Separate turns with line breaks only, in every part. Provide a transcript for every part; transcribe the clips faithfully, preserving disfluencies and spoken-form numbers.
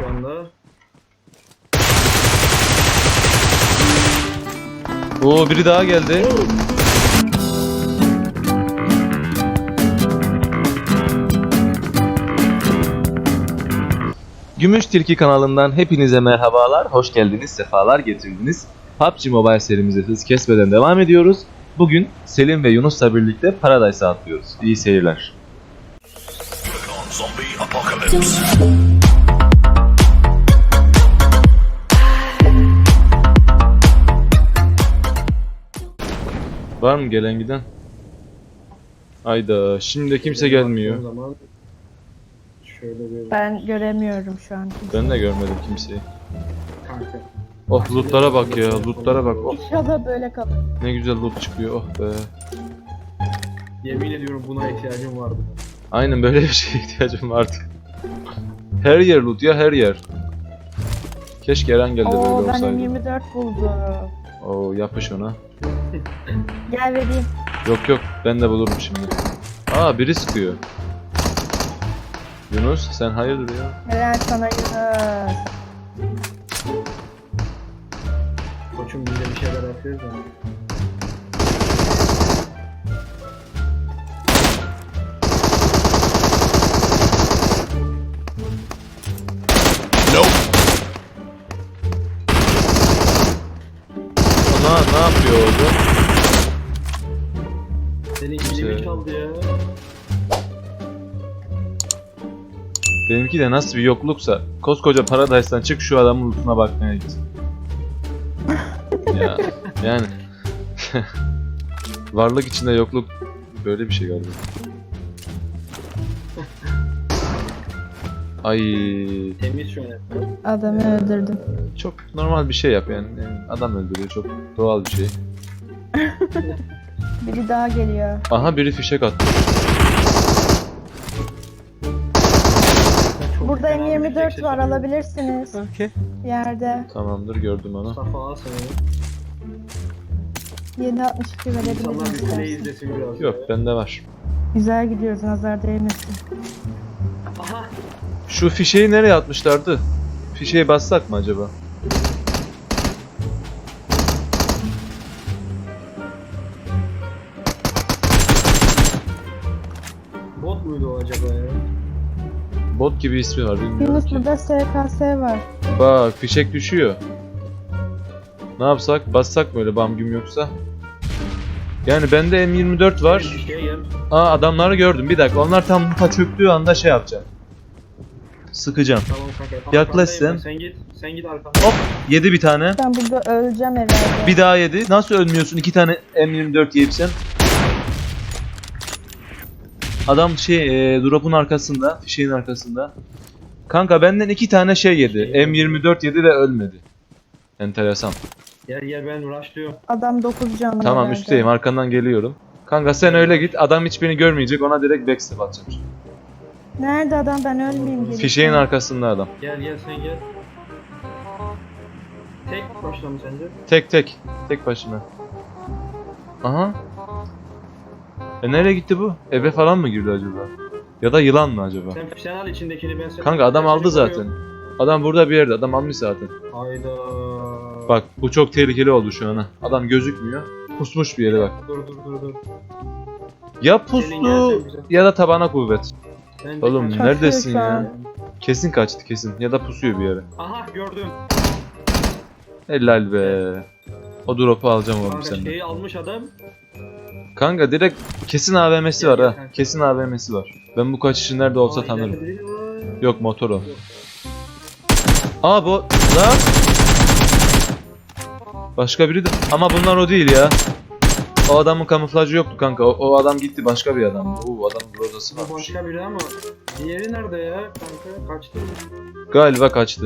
anda.
Oo, biri daha geldi. Gümüş Tilki kanalından hepinize merhabalar, hoş geldiniz, sefalar getirdiniz. P U B G Mobile serimize hız kesmeden devam ediyoruz. Bugün Selim ve Yunus'la birlikte Paradise'a atlıyoruz. İyi seyirler. Var mı gelen giden? Hayda, şimdi de kimse gelmiyor.
Zaman şöyle bir
Ben göremiyorum şu an.
Ben de görmedim kimseyi.
kanka.
Oh, lootlara bak ya, lootlara bak. Oh,
İnşallah böyle kalır.
ne güzel loot çıkıyor, oh be.
Yemin ediyorum buna ihtiyacım vardı.
Aynen böyle bir şeye ihtiyacım vardı. Her yer loot ya, her yer. Keşke Eren geldi
Oo
böyle
ben
olsaydı.
M yirmi dört buldum.
Oo, yapış ona.
Gel vereyim.
Yok yok, ben de bulurum şimdi. Aa, biri sıkıyor. Yunus, sen hayırdır ya?
Helal sana Yunus.
Koçum biz de bir şeyler yapıyoruz ya.
Ona ne yapıyor orada?
Senin
Şey-
ilimi çaldı ya.
Benimki de nasıl bir yokluksa, koskoca Paradise'dan çık şu adamın lootuna bakmaya git. Ya, yani. Varlık içinde yokluk böyle bir şey galiba. Ay,
Temiz şu an.
Adamı öldürdüm.
çok normal bir şey yap yani. Yani adam öldürüyor, çok doğal bir şey.
Biri daha geliyor.
Aha, biri fişek attı.
Çok
Burada
fena
M
bir
yirmi dört
şey
var,
sesi
alabilirsiniz.
Okey.
Yerde.
Tamamdır, gördüm onu.
Safa al sana.
yedi altmış iki
İnsanlar
verebilirim
bir play
istersen.
izlesin biraz.
Yok,
ya.
bende var.
Güzel gidiyoruz, nazar değmesin.
Aha.
Şu fişeği nereye atmışlardı? Fişeği bassak mı acaba?
Bot muydu o acaba ya?
Bot gibi ismi var, bilmiyorum
Yunus
ki.
burada S K S var.
Bak, fişek düşüyor. Ne yapsak? Bassak mı öyle bam güm yoksa? Yani bende M yirmi dört var.
Bir şeye gel.
Aa, adamları gördüm. Bir dakika, onlar tam lupa çöktüğü anda şey yapacağım. Sıkacağım.
Tamam kanka.
Yaklaş
Arkandayım
sen.
ben. Sen git. Sen git arkamda.
Hop, yedi bir tane.
Ben burada öleceğim herhalde.
Bir daha yedi. Nasıl ölmüyorsun? İki tane M yirmi dört yiyip sen. Adam şey e, drop'un arkasında, fişeğin arkasında. Kanka benden iki tane şey yedi. M yirmi dört yedi ve ölmedi. Enteresan.
Gel gel ben rushlıyorum.
Adam dokuz canlı
Tamam,
herhalde.
üstteyim, arkandan geliyorum. Kanka sen öyle git. Adam hiç beni görmeyecek. Ona direkt backstep atacağım.
Nerede adam, ben ölmeyeyim gelip.
Fişeğin arkasında adam.
Gel gel sen gel. Tek başla mı sence?
Tek tek. Tek başına. Aha. E nereye gitti bu? Eve falan mı girdi acaba? Ya da yılan mı acaba?
Sen, sen al içindekini ben sen.
Kanka adam
ben
aldı
seni
zaten.
koruyorum.
Adam burada bir yerde. Adam almış zaten.
Hayda.
Bak, bu çok tehlikeli oldu şu an. Ha. Adam gözükmüyor. Pusmuş bir yere bak.
Dur dur dur dur.
Ya
Senin
pustu
gelsen güzel.
ya da tabana kuvvet.
Bence
Oğlum
kaç-
neredesin
şu an.
ya? Kesin kaçtı kesin. Ya da pusuyor bir yere.
Aha gördüm.
Helal be. O drop'u alacağım oğlum
Kanka
senden.
şeyi almış adam.
Kanka direkt kesin A V M'si
Gel,
var
gel
ha.
kanka.
Kesin A V M'si var. Ben bu kaçışı nerede olsa
Aa,
tanırım.
ileride biri var.
Yok, motor o. Aa, bu lan. Başka biri de. Ama bunlar o değil ya. O adamın kamuflajı yoktu kanka. O, o adam gitti, başka bir adam. Oo, adamın brodası
Bu
varmış.
başka biri ama diğeri nerede ya kanka? Kaçtı.
Galiba kaçtı.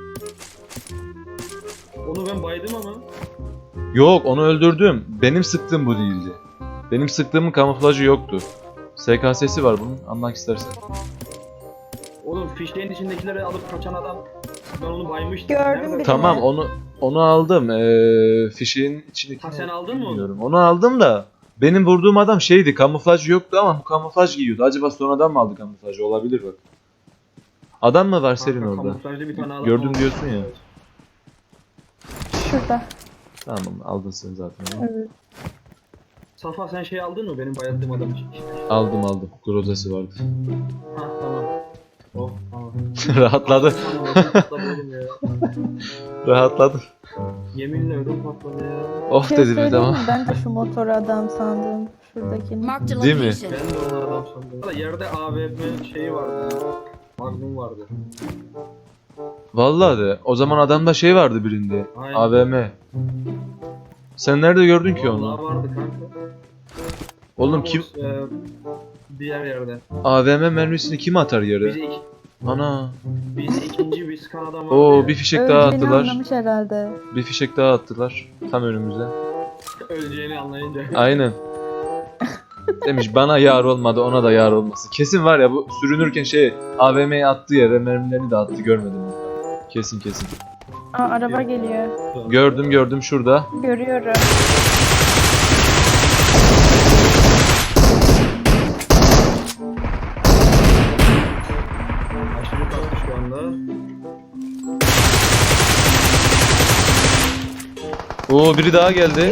Onu ben baydım ama.
Yok, onu öldürdüm. Benim sıktığım bu değildi. Benim sıktığımın kamuflajı yoktu. S K S'si var bunun. Anmak istersen.
Oğlum fişlerin içindekileri alıp kaçan adam. Ben onu baymıştım.
Gördüm
Nerede?
bir-
Tamam, onu onu aldım. Ee, fişeğin içindeki.
Ha, sen aldın mı onu?
Bilmiyorum. Onu aldım da benim vurduğum adam şeydi, kamuflaj yoktu ama bu kamuflaj giyiyordu. Acaba sonradan mı aldı kamuflajı? Olabilir bak. Adam mı var senin
Kanka,
orada?
kamuflajlı bir tane adam
Gördüm
oldu.
diyorsun ya.
Şurada.
Tamam aldın sen zaten.
Evet.
Safa sen şey aldın mı benim bayıldığım adam için?
Aldım aldım. Grozası vardı.
Ha tamam. Oh tamam.
Rahatladı.
Tamam, ödüm patladı oğlum ya.
Rahatladı.
Yeminle ödüm patladı ya.
Oh
Bir şey
dedi bir
söyleyeyim
tamam.
mi? Ben de şu motoru adam sandım. Şuradakini.
Marked a
Değil mi?
location.
Ben de onu adam sandım. Valla yerde A V M şeyi vardı. Magnum vardı.
Vallahi de. O zaman adamda şey vardı birinde.
Aynen.
A V M. Sen nerede gördün ki
Vallahi
onu?
vardı kanka.
Oğlum
Ama
kim
o, e, diğer yerde.
A V M mermisini kim atar yere?
Bizi iki,
Ana.
biz ikinci bir skan adam vardı
Oo
ya.
bir fişek daha
Öleceğini
attılar.
anlamış herhalde.
Bir fişek daha attılar. Tam önümüze.
Öleceğini anlayınca.
Aynen. Demiş bana yar olmadı ona da yar olmasın. Kesin var ya bu sürünürken şey A V M'ye attığı yere mermilerini de attı görmedim. Kesin kesin.
Aa araba geliyor.
Gördüm gördüm şurada.
Görüyorum.
Aşırı kalktı şu anda.
Oo biri daha geldi.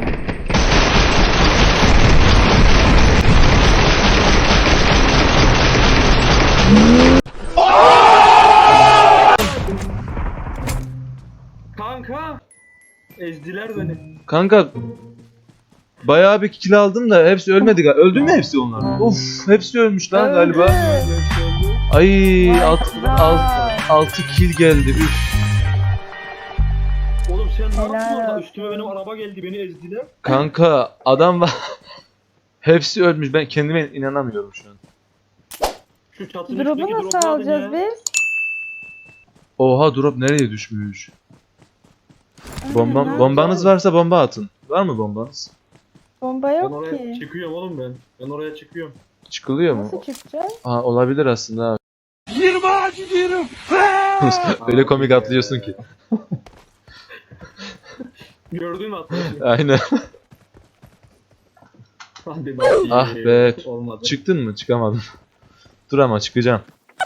Kanka! Ezdiler beni.
Kanka bayağı bir kill aldım da hepsi ölmedi galiba. Öldü mü hepsi onlar? Of hepsi ölmüş lan galiba. Ay alt, alt, altı kill geldi. Üf.
Oğlum sen ne
Helal
yaptın orada?
olsun.
Üstüme benim araba geldi beni ezdiler.
Kanka adam var. Hepsi ölmüş. Ben kendime inanamıyorum şu an.
Şu çatının
Drop'u
üstündeki
nasıl
drop'u alın
alacağız
ya.
biz?
Oha drop nereye düşmüş? Bomba,
Aynen,
bombanız varsa bomba atın. Var mı bombanız?
Bomba
Ben
yok
oraya
ki.
çıkıyorum oğlum ben. Ben oraya çıkıyorum.
Çıkılıyor mu?
Nasıl çıkacağız?
Aa, olabilir aslında abi. Öyle komik atlıyorsun ki.
Gördün mü atlayışı?
Aynen.
Hadi bakayım.
Ah be.
Olmadı.
Çıktın mı? Çıkamadım. Dur ama çıkacağım.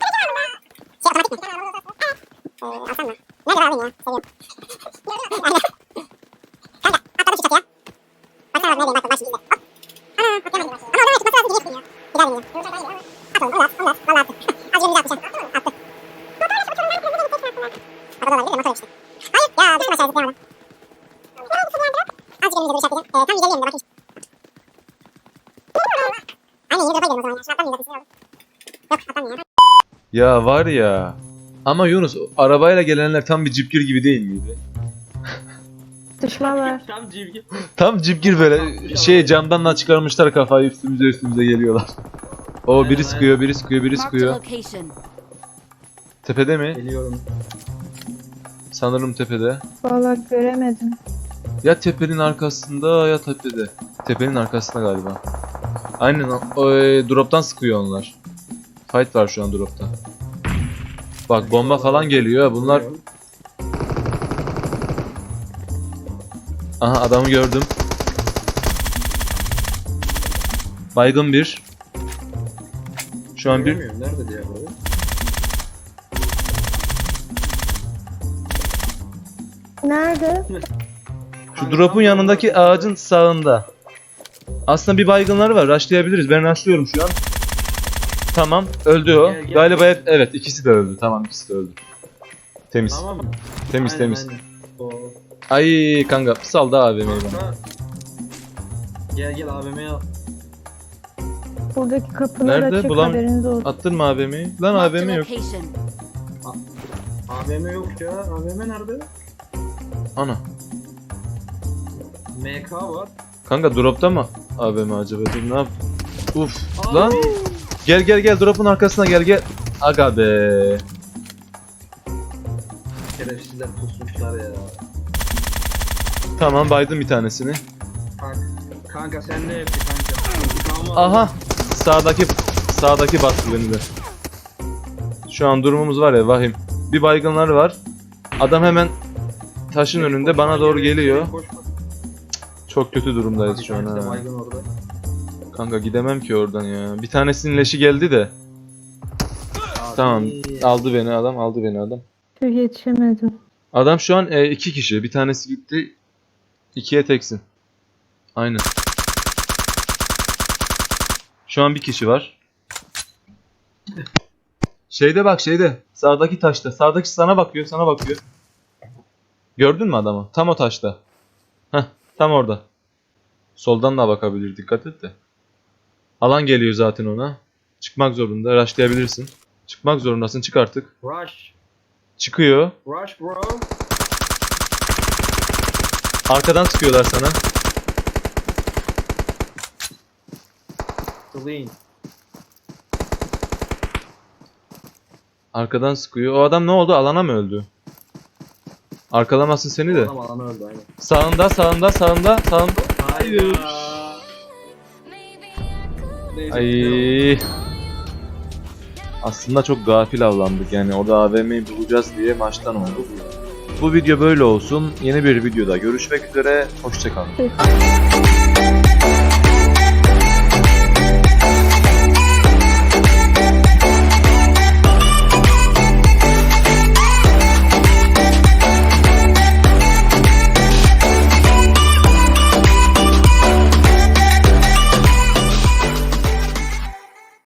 Ya var ya. Ama Yunus arabayla gelenler tam bir cipgir gibi değil miydi?
Düşman var.
Tam civgi.
Tam cipgir böyle şey camdan çıkarmışlar kafayı üstümüze üstümüze geliyorlar. O
Aynen,
biri sıkıyor, biri sıkıyor, biri
Marked a
sıkıyor.
location.
Tepede mi?
Geliyorum.
Sanırım tepede.
Vallahi göremedim.
Ya tepenin arkasında ya tepede. Tepenin arkasında galiba. Aynen o, o e, drop'tan sıkıyor onlar. Fight var şu an drop'ta. Bak bomba falan geliyor. Bunlar
Geliyorum.
aha adamı gördüm. Baygın bir. Şu an bir
Göremiyorum. Nerede diğer abi?
Nerede?
şu drop'un yanındaki ağacın sağında. Aslında bir baygınları var. Rushlayabiliriz. Ben rushlıyorum şu an. Tamam. Öldü o.
Gel, gel.
Galiba hep, evet ikisi de öldü. Tamam ikisi de öldü. Temiz.
Tamam mı?
Temiz
Aynen,
temiz.
aynen. O.
Ay kanka sal da A V M'yi bana.
Kanka. Gel gel A V M'ye al.
Buradaki kapılar
Nerede?
açık,
Bulam-
haberiniz olsun.
Attın mı A V M'yi? Lan
Marked
A V
a
M yok.
location.
A V M yok ya. A V M nerede?
Ana.
M K var.
Kanka drop'ta mı A V M acaba? Dur ne yap? Uf.
Abi.
Lan. Gel gel gel drop'un arkasına gel gel. Aga be.
Şerefsizler pusmuşlar ya.
Tamam baydım bir tanesini.
Kanka, kanka sen ne yaptın kanka? İntikamı al.
Aha. Sağdaki sağdaki bastı beni de. Şu an durumumuz var ya vahim. Bir baygınları var. Adam hemen taşın
Koş,
önünde
koş,
bana
koş,
doğru
koş,
geliyor.
koş, koş.
Çok kötü durumdayız
Bir
şu an
tanesi de
ha.
baygın orada.
Kanka gidemem ki oradan ya. Bir tanesinin leşi geldi de.
Abi,
Tamam. Aldı beni adam. Aldı beni adam.
Çok yetişemedim.
Adam şu an e, iki kişi. Bir tanesi gitti. İkiye teksin. Aynen. Şu an bir kişi var. Şeyde bak şeyde. Sağdaki taşta. Sağdaki sana bakıyor. Sana bakıyor. Gördün mü adamı? Tam o taşta. Heh. Tam orada. Soldan da bakabilir. Dikkat et de. Alan geliyor zaten ona. Çıkmak zorunda. Rushlayabilirsin. Çıkmak zorundasın. Çık artık.
Rush.
Çıkıyor.
Rush bro.
Arkadan sıkıyorlar sana.
Clean.
Arkadan sıkıyor. O adam ne oldu? Alana mı öldü? Arkalamasın seni de.
Adam alanı öldü aynen.
Sağında, sağında, sağında, sağında.
Hayır.
Ay. Aslında çok gafil avlandık yani. Orada A V M'yi bulacağız diye maçtan olduk. Bu video böyle olsun. Yeni bir videoda görüşmek üzere. Hoşça kalın.
Peki.